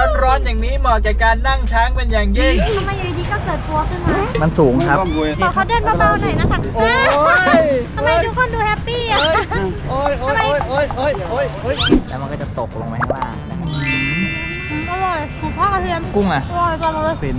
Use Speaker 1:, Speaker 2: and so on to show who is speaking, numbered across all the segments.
Speaker 1: ร้อนๆอย่างนี้เหมาะแก่การนั่งช้างเป็นอย่างยิ่ง
Speaker 2: ทำไมอยู่ดีๆก็เกิดตัวขึ้นมา
Speaker 1: มันสูงครับ
Speaker 2: ขอเขาเดินเบาๆหน่อยนะคะ
Speaker 1: โอ้ย
Speaker 2: ทำไมทุกคนดูแฮปปี้อ่ะ
Speaker 1: โอ้ยแล้วมันก็จะตกลงไปข้างล่างนะครับ
Speaker 2: อร่อยหมูทอดกระเทียม
Speaker 1: กุ้งอ่ะ
Speaker 2: อร่อยจังเลย
Speaker 1: ฟิน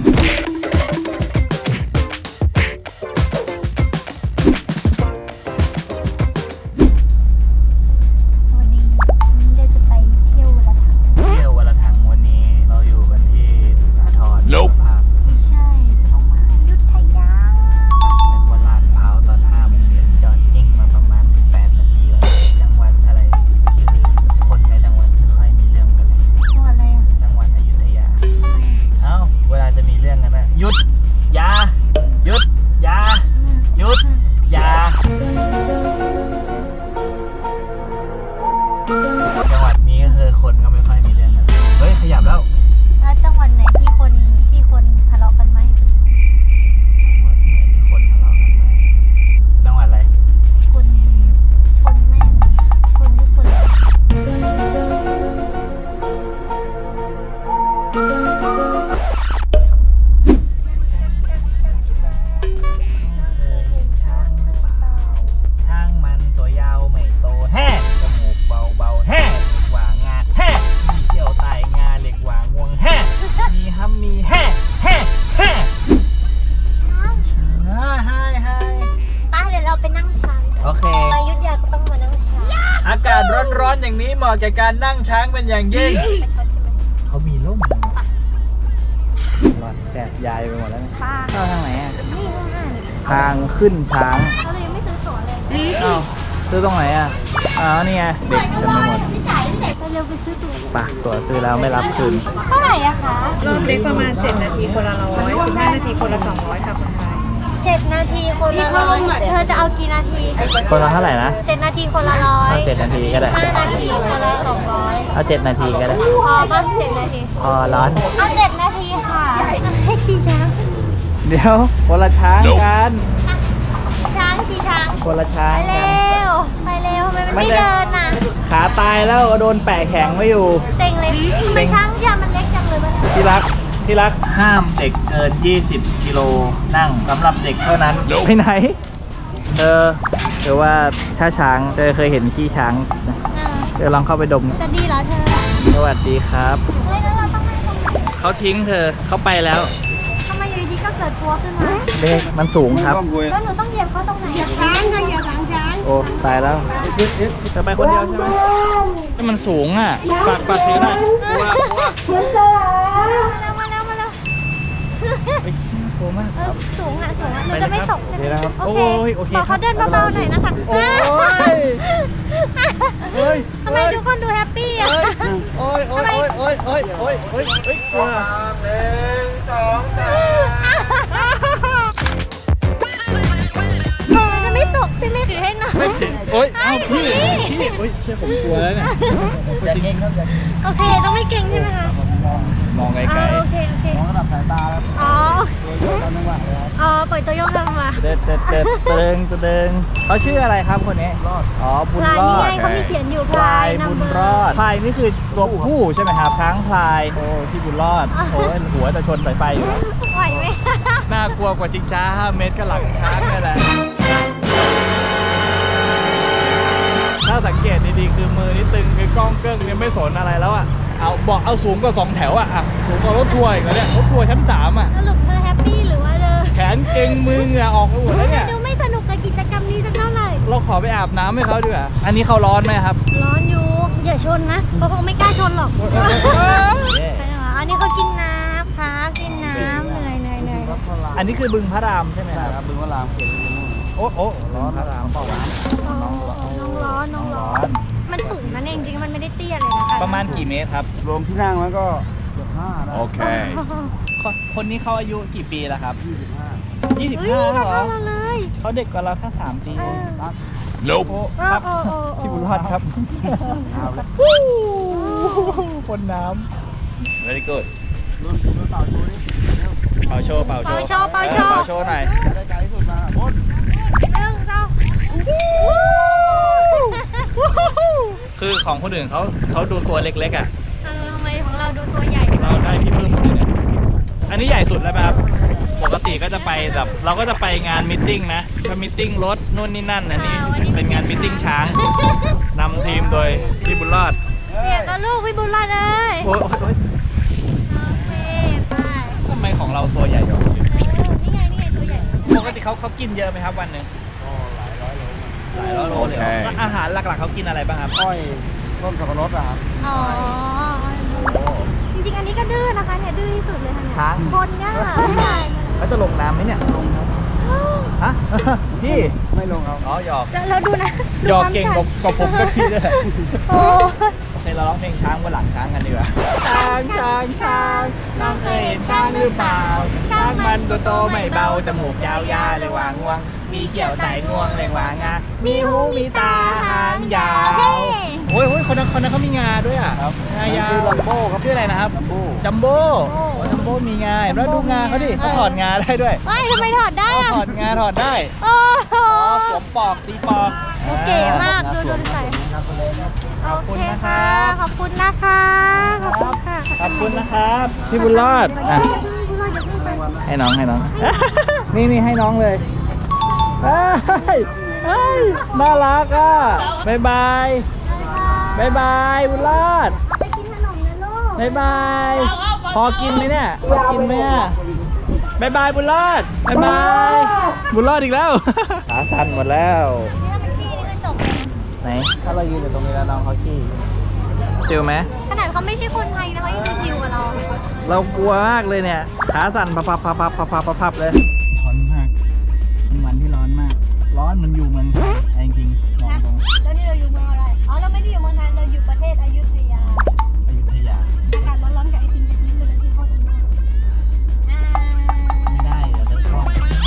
Speaker 2: วันนี้เดี๋ยวจะไปเที่ยววันละถัง
Speaker 1: วันนี้เราอยู่กันที่สาทรภาพ
Speaker 2: ไม่ใช่ออกมาอยุธยา
Speaker 1: เป็นวันลาดพร้าวตอน5 โมงเย็นจอดนิ่งมาประมาณ18 นาทีแล้วจังหวัดอะไรคือคนในจังหวัดไม่ค่อยมีเรื่องกันเลย
Speaker 2: จังหวัดอะไรอ่ะ
Speaker 1: จังหวัดอยุธยาเอ้าเวลาจะมีเรื่องกันนะหยุดยาหยุดยาหยุดยาจังหวัดนี้ก็คือคนก็ไม่ค่อยมีเรื่องกันเฮ้ยขยับแล้ว
Speaker 2: แล้วจังหวัดไหนที่คนทะเลาะกันไหม
Speaker 1: จังหวัดอะไร
Speaker 2: คนชนแม่งคนทุกคน
Speaker 1: ช่างมันตัวยาวไม่โตแฮ่จมูกเบาๆแฮ่หว่างาแฮ่มีเขี้ยวไตงาเหล็กหว่างวงแฮ่มีฮัมมีแฮ่ให้
Speaker 2: ไปเดี๋ยวเราไปนั่งช้าง
Speaker 1: โอเค
Speaker 2: มาอยุธยาก็ต้องมานั่งช้าง
Speaker 1: อากาศร้อนๆอย่างนี้เหมาะแก่การนั่งช้างเป็นอย่างยิ่ง
Speaker 2: ไปช็อตใช่ไหม
Speaker 1: เขามีร่มร้อนแสบยายไปหมดแล้วเนี่ยเข้าทางไหนอ่ะ
Speaker 2: นี่
Speaker 1: ทางขึ้นช้าง
Speaker 2: เราเลยยังไม่ซื้อตั๋วเลย
Speaker 1: อ้าวซื้อตรงไหนอ่ะนี่ไงเด็กเต็มไปหมด
Speaker 2: ไปเร็วไปซื้อตั๋ว
Speaker 1: ปากตั๋วซื้อแล้วไม่รับคืน
Speaker 2: เท่าไหร่อะคะ
Speaker 3: รอบเล็กประมาณ7 นาทีคนละ100 15 นาทีคนละ200ค่ะคนไทย
Speaker 2: 7 นาทีคนละ100เธอจะเอากี่นาที
Speaker 1: คนละเท่าไหร่นะ
Speaker 2: 7 นาทีคนละ100
Speaker 1: เอา7 นาทีก็ได้
Speaker 2: 5 นาทีคนละ200
Speaker 1: เอา7 นาทีก็ได้
Speaker 2: พอป่ะ7 นาที
Speaker 1: พอร้อน
Speaker 2: เอา7 นาทีค่ะให้ขี่ช้าง
Speaker 1: เดี๋ยวคนละช้างกัน
Speaker 2: ช้างขี่ช้าง
Speaker 1: คนละช้าง
Speaker 2: ไปเร็วทำไมมันไม่เดินน่ะ
Speaker 1: ขาตายแล้วโดนแปะแข็งไว้อยู่
Speaker 2: เซ็งเลยทำไมช้างยามันเล็กจังเลย
Speaker 1: ที่รักห้ามเด็กเกิน20 กิโลนั่งสำหรับเด็กเท่านั้นไปไหนหรือว่าช้างเคยเห็นขี้ช้างเดี๋ยวลองเข้าไปดม
Speaker 2: จะดีเหรอเธอ
Speaker 1: สวัสดีครับ
Speaker 2: เฮ้ยแล้วเราต้องนั่งตรงไหน
Speaker 1: เขาทิ้งเธอเขาไปแล้ว
Speaker 2: ทำไมอยู่ดีๆก็เกิดตัวขึ้นมา
Speaker 1: เด็กมันสูงครับ
Speaker 2: แล้วหนูต้องเหยียบเขาตรงไหนช้างค่ะเหยียบหลังช้าง
Speaker 1: โอ้ตายแล้วจะไปคนเดียวใช่ไหมนี่มันสูงอ่ะปากเสียหน่อยว่า
Speaker 2: มาแล้ว
Speaker 1: โอ้มาก
Speaker 2: สูงอ่ะหนูจะไม่ตกใช่ไหม
Speaker 1: โอเค
Speaker 2: ขอเขาเดินเบาๆหน่อยนะคะ
Speaker 1: โอ้ย
Speaker 2: ทำไมทุกคนดูแฮปปี้อ่ะ
Speaker 1: โอ้ยกลัว1 2
Speaker 2: 3จะไม่ตกใช่ไหมถือให้หน่อย
Speaker 1: โอ้ยพี่เชื่อผมกลัวแล้วเนี่ยอย่าเก่งครับ
Speaker 2: โอเคต้องไม่เก่งใช่ไหมคะ
Speaker 1: มองไกล
Speaker 2: ๆโอเค
Speaker 1: มองระดับสายตาแล้ว
Speaker 2: ปล่อยตัวโยกทำมา
Speaker 1: เดินเขาชื่ออะไรครับคนนี้บุญรอด
Speaker 2: นี่ไงเขามีเขียนอยู่พลาย
Speaker 1: บุญรอดพลายนี่คือตัวผู้ใช่ไหมครับช้างพลายที่บุญรอดหัวจะชนสายไฟอยู่
Speaker 2: ไหวไหม
Speaker 1: น่ากลัวกว่าจิงจ้า5 เมตรก็หลังช้างนี่แหละถ้าสังเกตดีๆคือมือนี่ตึงคือกล้องเกิ้งเนี่ยไม่สนอะไรแล้วอ่ะเอาสูงกว่า2 แถวอ่ะสูงกว่ารถทัวร์อีกแล้วเนี่ยรถทัวร์ชั้น3อ่ะ
Speaker 2: สรุปเธอแฮปปี้หรือว่า
Speaker 1: แขนเก่งมือเหงื่อออกไปหมดแล้วเนี่ย
Speaker 2: ดูไม่สนุกกับกิจกรรมนี้สักเท่าไหร่
Speaker 1: เราขอไปอาบน้ำให้เขาดีกว่าอันนี้เขาร้อนไหมครับ
Speaker 2: ร้อนอยู่อย่าชนนะเพราะเขาไม่กล้าชนหรอกอันนี้เขากินน้ำพักกินน้ำเหนื่อย
Speaker 1: อันนี้คือบึงพระรามใช่ไหมครับบึงพระรามเขียนโอ้ร้อนพระรามเปล่าวะ
Speaker 2: น้องร้อนมันสูงนั่นเองจริงๆมันไม่ได้เตี้ยเลยนะคะ
Speaker 1: ประมาณกี่เมตรครับ
Speaker 4: รวมที่นั่งแล้วก็เกือบ5นะ
Speaker 1: โอเคคนนี้เขาอายุกี่ปีแล้วครับ25
Speaker 2: เหรอ
Speaker 1: เขาเด็กกว่าเราแค่3 ปี
Speaker 4: ครับ
Speaker 1: พี่บุญรอดครับคนน้ำ very good เป่าโชว์หน่อย
Speaker 4: ได้ใจที่สุดมาบน
Speaker 1: คือของคนอื่นเขาดูตัวเล็กๆอ่ะ
Speaker 2: ทำไมของเราดูตัวใหญ่
Speaker 1: เราได้พี่เพิ่มเลยเนี่ยอันนี้ใหญ่สุดแล้วไหมครับปกติก็จะไปแบบเราก็จะไปงานมิทติ้งนะก็มิทติ้งรถนู่นนี่นั่นอันนี้เป็นงานมิทติ้งช้างนำทีมโดยพี่บุญรอด
Speaker 2: เนี่ยก็ลูกพี่บุญรอดเลย
Speaker 1: โอ้ย
Speaker 2: โอเคไป
Speaker 1: ทำไมของเราตัวใหญ่กว่า
Speaker 2: นี่ไงตัวใหญ่
Speaker 1: ปกติเขากินเยอะไหมครับวันหนึ่งหลายร้อยโลเลยเหรอแล้วอาหารหลักๆเขากินอะไรบ้างครับ
Speaker 4: อ้อยต้นสับปะรดอะครับ
Speaker 2: อ๋อจริงๆอันนี้ก็ดื้อนะคะเนี่ยดื้อที่สุดเลยค่ะเนี่ย
Speaker 1: ช้าง
Speaker 2: คนเนี่ยไม่ได้
Speaker 1: เขาจะลงน้ำไหมเนี่ยลงฮะ พี่
Speaker 4: ไม่ลงครับ
Speaker 1: อ๋อหยอก
Speaker 2: เราดูนะ
Speaker 1: หยอกเก่งกว่าผมก็พี่เลย
Speaker 2: โอ้
Speaker 1: โอเคเราร้องเพลงช้างบนหลังช้างกันดีกว่าช้างช้างช้างน้องเคยเห็นช้างหรือเปล่าช้างมันตัวโตไม่เบาจมูกยาวๆเลยวางงวงมีเขียวไต่งวงเลยวางงามีหูมีตาหางยาวโอ้ยคนนั้นเขามีงาด้วยอ่ะ
Speaker 4: ครับ
Speaker 1: งายาว
Speaker 4: ชื่อลัมโบ้ครับ
Speaker 1: ชื่ออะไรนะครับ
Speaker 4: ลัมโบ้
Speaker 1: จัมโบ้จัมโบ้มีงาแล้วดูงาเขาดิเขาถอดงาได้ด้วย
Speaker 2: ว้ายทำไมถอดได้
Speaker 1: เขา
Speaker 2: อะ
Speaker 1: ถอดงาถอดได้
Speaker 2: โอ้โห
Speaker 1: อ๋อสวมปอกตีปอก
Speaker 2: โอเคมากดูใส่โอเคค่ะขอบคุณนะคะขอบคุณค่ะ
Speaker 1: ขอบคุณนะครับพี่บุญรอดอ่ะ
Speaker 2: บุญรอดอย่าเพิ่งไป
Speaker 1: ให้น้องนี่ให้น้องเลยเฮ้ยน่ารักอ่ะบายบายบายบายบุญรอด
Speaker 2: ไปกินขนมนะลูก
Speaker 1: บายบายพอกินไหมเนี่ยพอกินไหมอ่ะบายบายบุญรอดบายบายบุญรอดอีกแล้วขาสั่นหมดแล้ว
Speaker 2: นี่ถ้าเป็นขี้นี่คือจบเลยนะ
Speaker 1: ไหนถ้าเรายืนอยู่ตรงนี้แล้วน้องเขาขี้ชิลไหม
Speaker 2: ขนาดเขาไม่ใช่คนไทยนะเขายังชิวกับเรา
Speaker 1: เรากลัวมากเลยเนี่ยขาสั่นพับเลยร้อนมากเป็นวันที่ร้อนมาก ร้อนมันอยู่เมืองไทยจริงๆมองตรง
Speaker 2: แล้วนี่เราอยู่เมืองอะไร อ๋อ เราไม่ได้อยู่เมืองไทย เราอยู่ประเทศอยุธยา
Speaker 1: อยุธยา
Speaker 2: อากาศร้อนๆกับไอติมกะทิไปเลยที่เข้ากันมาก
Speaker 1: ไม่ได้เดี๋ยวจะคล่อง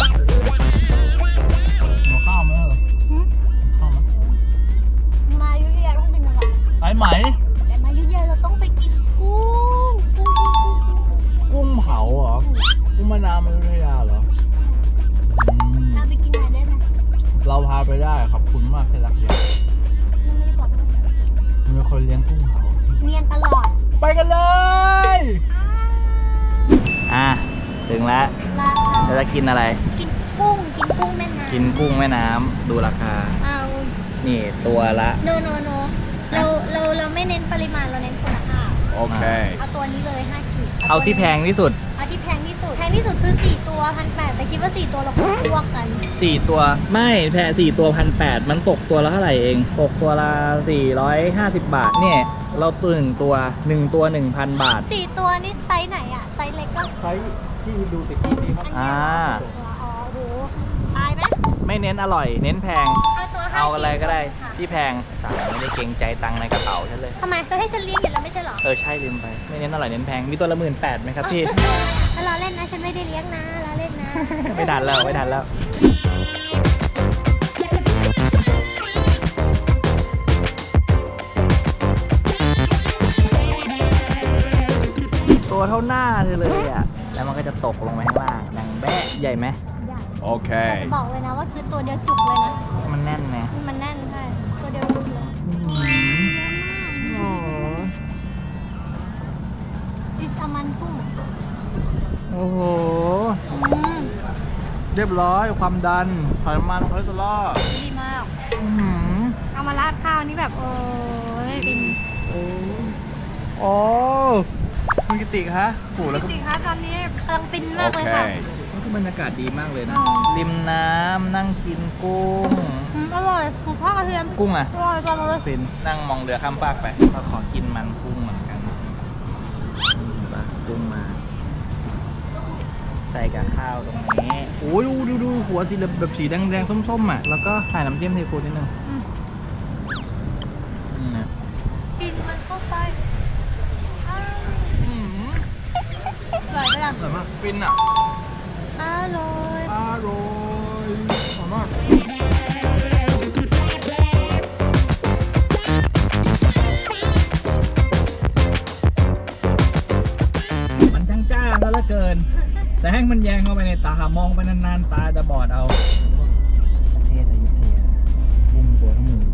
Speaker 1: หัวข้าวไหมเหรอ
Speaker 2: หืม
Speaker 1: ข้าวไหม
Speaker 2: มาอยุธยาต้องกินอะไร
Speaker 1: ไอ้ไหม
Speaker 2: แต่มาอยุธยาเราต้องไปกินกุ้ง
Speaker 1: กุ้งเผาเหรอ กุ้งมะนาวอยุธยาเหรออืม
Speaker 2: เราไปกินหน่อยได้ไหม
Speaker 1: เราพาไปได้ขอบคุณมากที่รักเดียว
Speaker 2: ยังไม่ได้บอกเลย
Speaker 1: มีคนเลี้ยงกุ้งเผา
Speaker 2: เนียนตลอด
Speaker 1: ไปกันเลย ถึงแล้ว
Speaker 2: ราคา
Speaker 1: เราจะกินอะไร
Speaker 2: กินกุ้งแม่น้ำ
Speaker 1: กินกุ้งแม่น้ำดูราคา
Speaker 2: เอา
Speaker 1: นี่ตัวละ
Speaker 2: โนเราไม่เน้นปริมาณเราเน้นคุณภาพ
Speaker 4: โอเค
Speaker 2: เอาตัวนี้เลย5 ขีด
Speaker 1: เอาที่แพงที่สุด
Speaker 2: เอาที่แพงที่สุดคือ4 ตัว1,800แต่คิดว่า4ตัวเราคงพวกกัน
Speaker 1: 4 ตัวไม่แพง4 ตัว1,800มันตกตัวละเท่าไหร่เองตกตัวละ450 บาทเนี่ยเราตัว1 ตัว 1,000 บาท
Speaker 2: 4 ตัวนี่ไซส์ไหนอะไซส์เล็กก็
Speaker 1: ใช้ที่ดูตะกี้นี้ครับ
Speaker 2: อันนี้อ๋อโหตายไหม
Speaker 1: ไม่เน้นอร่อย เน้นแพง
Speaker 2: เอาตัว5
Speaker 1: เอาอะไรก็ได้
Speaker 2: ค่ะ
Speaker 1: ที่แพงสั่งไม่ได้เกรงใจตังค์ในกระเป๋าฉันเลย
Speaker 2: ทำไมเราให้ฉันเลี้ยงอยู่แล้วไม่ใช่เหรอ
Speaker 1: ใช่ลืมไป ไม่เน้นอร่อยเน้นแพงมีตัวละ18,000ไหมครับพี่
Speaker 2: ถ้าเราเล่นนะฉันไม่ได้เลี้ยงนะเราเล่นนะ
Speaker 1: ไม่ทันแล้วตัวเท่าหน้าเธอเลยอ่ะ แล้วมันก็จะตกลงไปข้างล่างดังแบะใหญ่ไหม
Speaker 4: โอเค
Speaker 2: แต่จะบอกเลยนะว่าคือตัวเดียวจุกเลยนะ
Speaker 1: มันแน่นไง
Speaker 2: มันแน่นใช่ตัวเดียวจุกเลยดิสอามันกุ้ง
Speaker 1: โอ้โห
Speaker 2: อืม
Speaker 1: เรียบร้อยความดันไขมันคอเลสเตอรอล
Speaker 2: ดีมาก
Speaker 1: อื้อหือ
Speaker 2: เอามาราดข้าวนี่แบบโอ้ยฟิน
Speaker 1: โอ้คุณกิติคะโหแล้วก็
Speaker 2: จริงๆคะตอนนี้กำลังฟิน
Speaker 4: โอ
Speaker 2: มากเลย
Speaker 4: เค
Speaker 2: ค่ะ
Speaker 1: นี่คือบรรยากาศดีมากเลยนะ
Speaker 2: อ๋อ
Speaker 1: ริมน้ำนั่งกินกุ้ง
Speaker 2: อร่อยหมูทอดกระเทียม
Speaker 1: กุ้งอ่ะ
Speaker 2: อร่อยจังเลย
Speaker 1: ฟินนั่งมองเรือข้ามฟากไปก็ขอกินมันกุ้งเหมือนกันปลากุ้งมา ใส่กับข้าวตรงนี้โอ้ยดูหัวสีแบบสีแดงๆส้มๆอ่ะแล้วก็ใส่น้ำจิ้มซีฟู้ดนิดนึง
Speaker 2: อืม
Speaker 1: นี่นะ
Speaker 2: กินมันเข้าไปอ้าว
Speaker 1: อื้อหือ
Speaker 2: อร่อยไปยัง
Speaker 1: อร่อยมากฟินอ่ะ
Speaker 2: อร่อย
Speaker 1: อร่อยอร่อยมากมันช่างจ้าซะเหลือเกิน แสงมันแยงเข้าไปในตามองไปนานๆตาจะบอดเอา ประเทศอยุธยากุ้งตัวทั้งหมื่น